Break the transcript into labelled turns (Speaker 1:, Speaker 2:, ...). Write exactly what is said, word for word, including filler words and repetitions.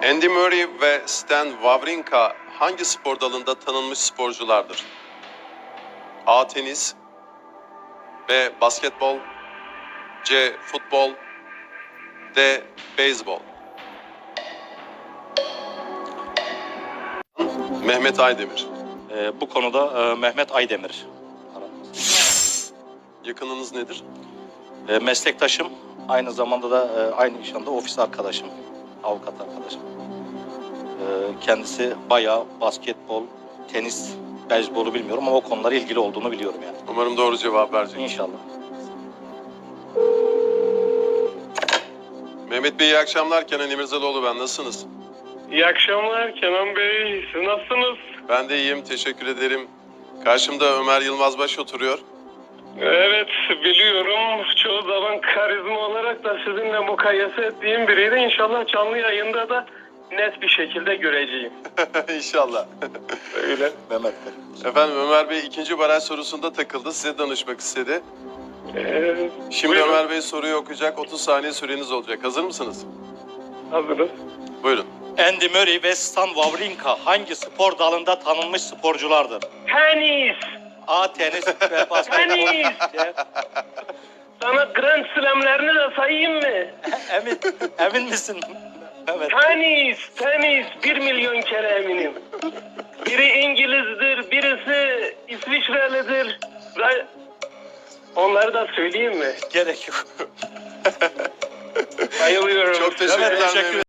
Speaker 1: Andy Murray ve Stan Wawrinka hangi spor dalında tanınmış sporculardır? A. Tenis, B. Basketbol, C. Futbol, D. Beyzbol. Mehmet Aydemir.
Speaker 2: Ee, bu konuda e, Mehmet Aydemir.
Speaker 1: Yakınınız nedir?
Speaker 2: E, meslektaşım, aynı zamanda da e, aynı iş anda ofis arkadaşım, avukat arkadaşım. E, kendisi bayağı basketbol, tenis, beyzbolu bilmiyorum ama o konulara ilgili olduğunu biliyorum yani.
Speaker 1: Umarım doğru cevap verecek.
Speaker 2: İnşallah.
Speaker 1: Mehmet Bey iyi akşamlar. Kenan İmirzalıoğlu ben. Nasılsınız?
Speaker 3: İyi akşamlar Kenan Bey. Siz nasılsınız?
Speaker 1: Ben de iyiyim. Teşekkür ederim. Karşımda Ömer Yılmazbaş oturuyor.
Speaker 3: Evet biliyorum. Çoğu zaman karizma olarak da sizinle mukayese ettiğim biriydi. İnşallah canlı yayında da net bir şekilde göreceğim.
Speaker 1: İnşallah.
Speaker 3: Öyle.
Speaker 2: Mehmet Bey.
Speaker 1: Efendim Ömer Bey ikinci baraj sorusunda takıldı. Size danışmak istedi.
Speaker 3: Ee,
Speaker 1: Şimdi
Speaker 3: buyurun.
Speaker 1: Ömer Bey soruyu okuyacak. otuz saniye süreniz olacak. Hazır mısınız?
Speaker 3: Hazırız.
Speaker 1: Buyurun.
Speaker 2: Andy Murray ve Stan Wawrinka hangi spor dalında tanınmış sporculardır?
Speaker 3: Tenis.
Speaker 2: A. Tenis ve basketbol.
Speaker 3: Tenis.
Speaker 2: C.
Speaker 3: Sana Grand Slam'lerini de sayayım mı?
Speaker 2: Emin, emin misin? Evet.
Speaker 3: Tenis, tenis. Bir milyon kere eminim. Biri İngiliz'dir, birisi İsviçrelidir. Ve onları da söyleyeyim mi?
Speaker 2: Gerek yok.
Speaker 3: Bayılıyorum.
Speaker 1: Çok teşekkürler
Speaker 2: Evet, teşekkür
Speaker 1: Mehmet.